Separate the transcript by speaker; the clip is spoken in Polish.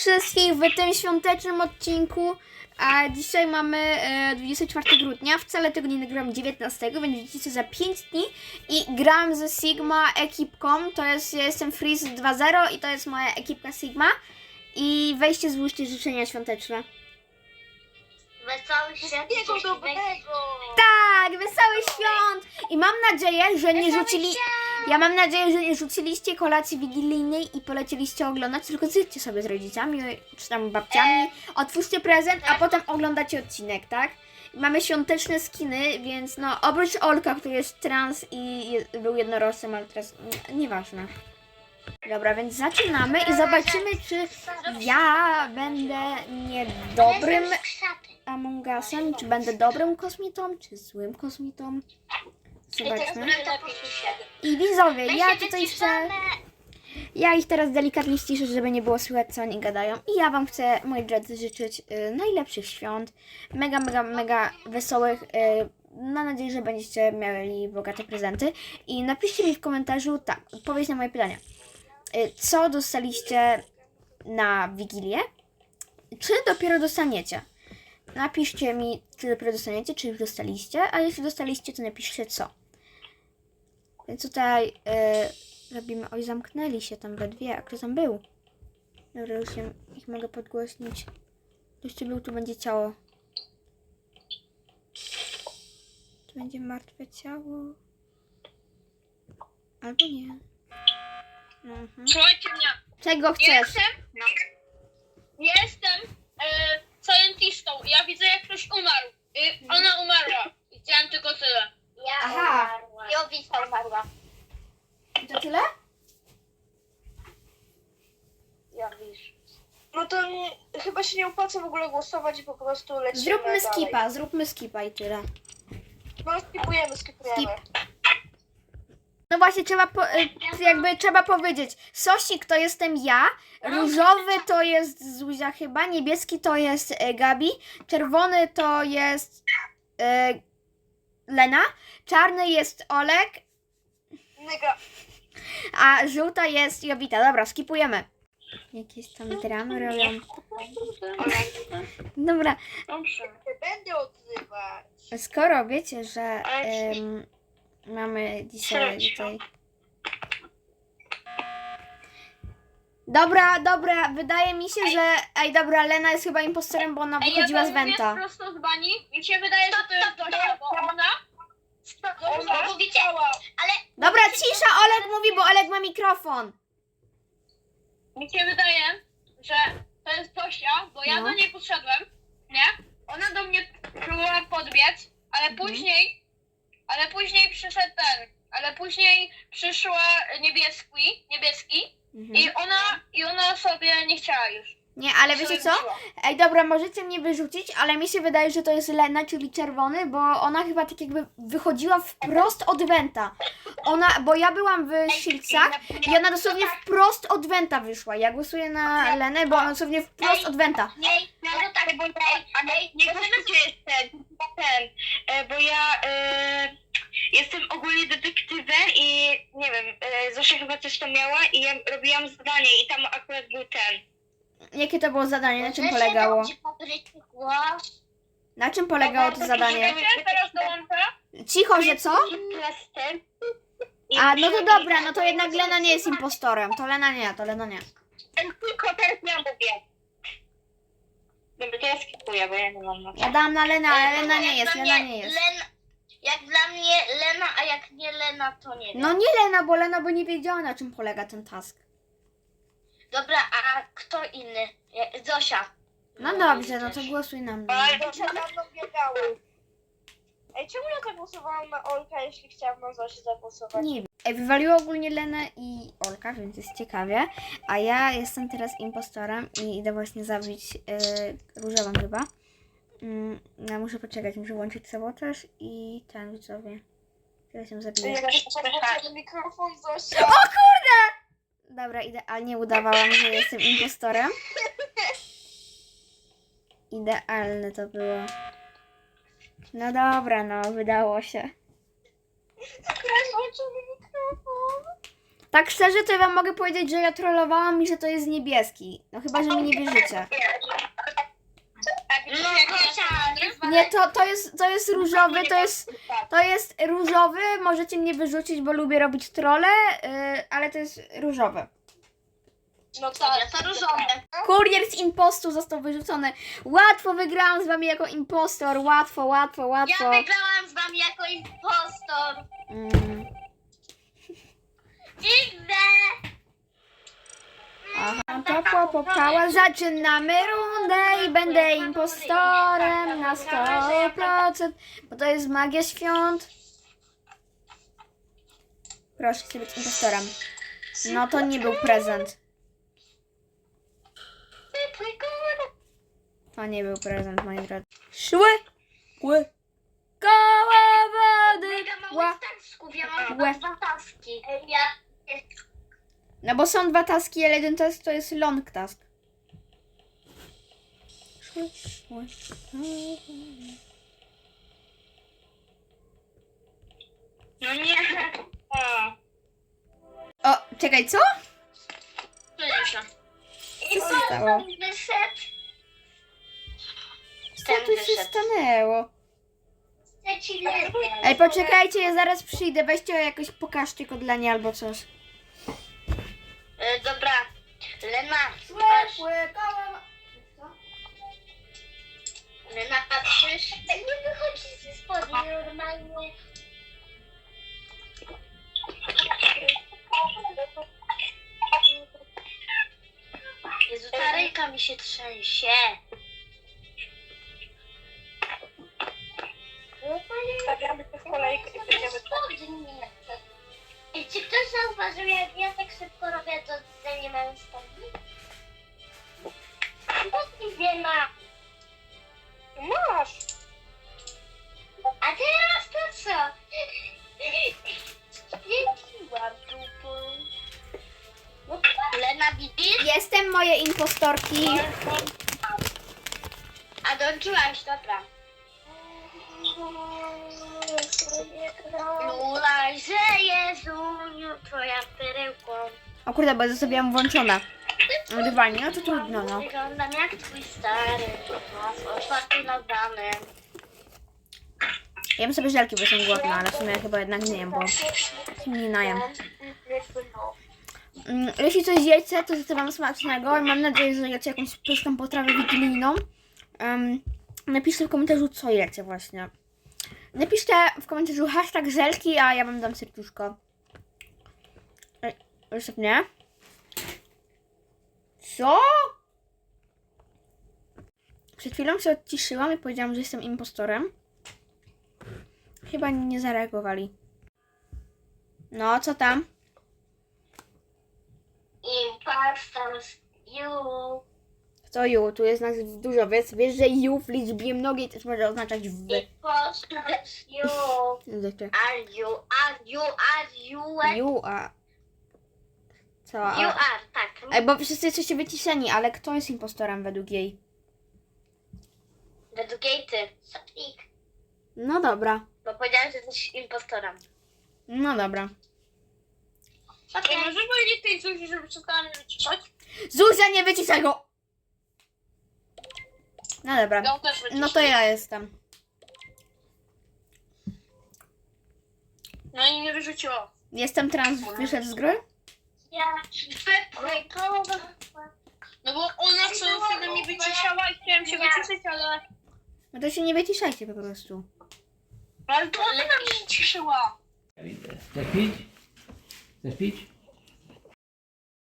Speaker 1: wszystkich w tym świątecznym odcinku. A dzisiaj mamy 24 grudnia, wcale tego nie nagrywam 19, więc widzicie za 5 dni. I gram ze Sigma ekipką, to jest, ja jestem Freeze 2.0 i to jest moja ekipka Sigma. I weźcie, złóżcie życzenia świąteczne.
Speaker 2: Wesołych świąt.
Speaker 1: Tak, wesołych świąt! I mam nadzieję, że nie rzucili... Ja mam nadzieję, że nie rzuciliście kolacji wigilijnej i polecieliście oglądać, tylko zjedźcie sobie z rodzicami czy tam babciami, otwórzcie prezent, a potem oglądacie odcinek, tak? Mamy świąteczne skiny, więc no, oprócz Olka, który jest trans i był jednorożcem, ale teraz nieważne. Dobra, więc zaczynamy i zobaczymy, czy ja będę niedobrym Among Usem, czy będę dobrym kosmitą, czy złym kosmitą. Zobaczmy. I widzowie, ja ich teraz delikatnie ściszę, żeby nie było słychać, co oni gadają. I ja wam chcę, moi drodzy, życzyć najlepszych świąt. Mega wesołych. Mam nadzieję, że będziecie mieli bogate prezenty. I napiszcie mi w komentarzu, tak, odpowiedź na moje pytania. Co dostaliście na Wigilię? Czy dopiero dostaniecie? Napiszcie mi, czy dopiero dostaniecie, czy już dostaliście, a jeśli dostaliście, to napiszcie co. Więc tutaj robimy... Oj, zamknęli się tam we dwie, a kto tam był? Dobra, już ich mogę podgłośnić. Ktoś tu był, tu będzie ciało. Tu będzie martwe ciało. Albo nie.
Speaker 3: Słuchajcie mnie.
Speaker 1: Czego chcesz?
Speaker 3: Jestem scientistą. Ja widzę, jak ktoś umarł. Ona umarła. Widziałem tylko tyle.
Speaker 1: Aha.
Speaker 2: Jowica umarła.
Speaker 1: To tyle?
Speaker 2: Jowisz.
Speaker 4: No to chyba się nie opłaca w ogóle głosować i po prostu lecimy
Speaker 1: Zróbmy skipa i tyle.
Speaker 4: No skipujemy.
Speaker 1: No właśnie, trzeba powiedzieć. Sosik to jestem ja, różowy to jest Zuzia chyba, niebieski to jest Gabi, czerwony to jest Lena, czarny jest Olek,
Speaker 4: Nyga.
Speaker 1: a żółta jest Jowita. Dobra, skipujemy. Jakieś tam dramy robią. Dobra,
Speaker 3: Dobrze.
Speaker 4: Nie będę odzywać.
Speaker 1: skoro wiecie, że mamy dzisiaj tutaj... Dobra, wydaje mi się, że... Ej, dobra, Lena jest chyba impostorem, bo ona wychodziła z Wenta.
Speaker 3: Prosto z bani. Mi się wydaje, że to jest Dosia, bo ona...
Speaker 4: Ona
Speaker 2: Mówicie, ale
Speaker 1: Dobra, cisza, Olek mówi, bo Olek ma mikrofon.
Speaker 3: Mi się wydaje, że to jest Dosia, bo ja
Speaker 1: No.
Speaker 3: do niej podszedłem, nie? Ona do mnie próbowała podbiec, ale później przyszedł ale później przyszła niebieski i ona sobie nie chciała już.
Speaker 1: Nie, ale wiecie co? Ej, dobra, możecie mnie wyrzucić, ale mi się wydaje, że to jest Lena, czyli czerwony, bo ona chyba tak jakby wychodziła wprost od Wenta. Bo ja byłam w Shieldsach i ona dosłownie wprost od Wenta wyszła. Ja głosuję na Lenę, bo ona dosłownie wprost od Wenta.
Speaker 2: no to tak, bo
Speaker 4: nie głosujcie bo ja jestem ogólnie detektywem i nie wiem, Zosia chyba coś tam miała i ja robiłam zadanie i tam akurat był ten.
Speaker 1: Jakie to było zadanie? Na czym polegało? Na czym polegało to zadanie?
Speaker 3: Teraz dołączę.
Speaker 1: Cicho, że co? A, no to dobra, no to jednak Lena nie jest impostorem. To Lena nie.
Speaker 4: Tylko teraz ja mówię. Dobra, to ja skipuję, bo ja nie mam na
Speaker 1: Ja dałam na Lenę, ale Lena nie jest.
Speaker 2: Jak dla mnie Lena, a jak nie Lena, to nie wiem.
Speaker 1: No nie Lena, bo nie wiedziała, na czym polega ten task.
Speaker 2: Dobra, a kto inny? Zosia.
Speaker 1: No dobrze, no to głosuj na mnie.
Speaker 4: Ale to za mną biegały. Ej, czemu ja zagłosowałam na Olka, jeśli chciałam na Zosię zagłosować?
Speaker 1: Nie wiem. Ej, wywaliło ogólnie Lenę i Olka, więc jest ciekawie. A ja jestem teraz impostorem i idę właśnie zabić różową chyba. Ja muszę poczekać, muszę włączyć sabotaż i ten widzowie. Teraz ją zabiję.
Speaker 4: Ja podłączę mikrofon, Zosia.
Speaker 1: Dobra, idealnie udawałam, że jestem impostorem. Idealne to było. No dobra, no, wydało się.
Speaker 4: Włączony mikrofon.
Speaker 1: Tak szczerze, to ja wam mogę powiedzieć, że ja trollowałam i że to jest niebieski. No chyba, że mi nie wierzycie.
Speaker 2: No chociaż.
Speaker 1: Nie, to jest różowy, to jest różowy, możecie mnie wyrzucić, bo lubię robić trolle, ale to jest różowy.
Speaker 3: No tak.
Speaker 2: To różowe.
Speaker 1: Kurier z impostu został wyrzucony. Łatwo wygrałam z wami jako impostor, łatwo.
Speaker 2: Ja wygrałam z wami jako impostor. Dziwne.
Speaker 1: Aha, to popała. Zaczynamy rundę i będę impostorem na 100%, bo to jest magia świąt. Proszę, chcę być impostorem. No to nie był prezent. To nie był prezent, moi drodzy. Szły, koła wody.
Speaker 2: Mega mały tasków, ja mam
Speaker 1: Łe.
Speaker 2: 2 taski.
Speaker 1: No bo są 2 taski, ale jeden task to jest long task.
Speaker 4: No nie. O.
Speaker 1: O, czekaj, co?
Speaker 2: I
Speaker 1: Co się stało?
Speaker 2: wyszedł.
Speaker 1: Co tu się stanęło?
Speaker 2: Chcę ci lepiej.
Speaker 1: Ej, poczekajcie, ja zaraz przyjdę. Weźcie jakoś, pokażcie kodlenie albo coś.
Speaker 2: Dobra. Lena, patrz. Lena, patrzysz? Tak nie wychodzi ze spodni normalnie. Jezu, ta ręka mi się trzęsie.
Speaker 4: Stawiamy się w kolejkę i będziemy...
Speaker 2: I czy ktoś zauważył, jak ja tak szybko robię, to tutaj nie mam spodni? Spodni nie ma.
Speaker 4: Masz!
Speaker 2: A teraz to co? Świeciłam dupą. Lena, widzisz?
Speaker 1: Jestem moje impostorki.
Speaker 2: A dołączyłaś, dobra. Lulaj, że Jezuniu, twoja perełką.
Speaker 1: O kurde, bo zostawiłam włączone. Nagrywanie, no to trudno, no.
Speaker 2: Wyglądam jak twój stary, z otwartym nadanem.
Speaker 1: Jem sobie żelki, bo jestem głodna, ale w sumie chyba jednak nie jem, bo nie najem. Jeśli coś jecie, to życzę wam smacznego i mam nadzieję, że jecie jakąś pyszną potrawę wigilijną. Napiszcie w komentarzu, co jecie właśnie. Napiszcie w komentarzu hashtag żelki, a ja wam dam serduszko. Jeszcze nie? Co? Przed chwilą się odciszyłam i powiedziałam, że jestem impostorem. Chyba nie zareagowali. No, co tam?
Speaker 2: Impostors, you.
Speaker 1: To you, tu jest nas dużo, wiesz, że you w liczbie mnogiej też może oznaczać w.
Speaker 2: Impostors, you. Are you,
Speaker 1: You, a... Co?
Speaker 2: You
Speaker 1: A...
Speaker 2: are, tak.
Speaker 1: Ej, bo wszyscy jesteście wyciszeni, ale kto jest impostorem według jej?
Speaker 2: Według jej ty. Sopnik.
Speaker 1: No dobra.
Speaker 2: Bo powiedziałam, że jesteś impostorem.
Speaker 1: No dobra.
Speaker 3: Okej, możesz powiedzieć tej Zuzi, żeby przestała mnie wyciszać?
Speaker 1: Zuzia, nie wyciszaj go! No dobra.
Speaker 3: Ja też wyciszę.
Speaker 1: No to ja jestem.
Speaker 3: No i mnie wyrzuciło.
Speaker 1: Jestem trans, wyszedł z gry?
Speaker 2: Ja
Speaker 3: No bo ona co chwilę mnie wyciszała i chciałem się wyciszyć, ale...
Speaker 1: No to się nie wyciszajcie po prostu.
Speaker 3: Ale to ona mnie wyciszyła.
Speaker 5: Chcesz pić? Chcesz pić?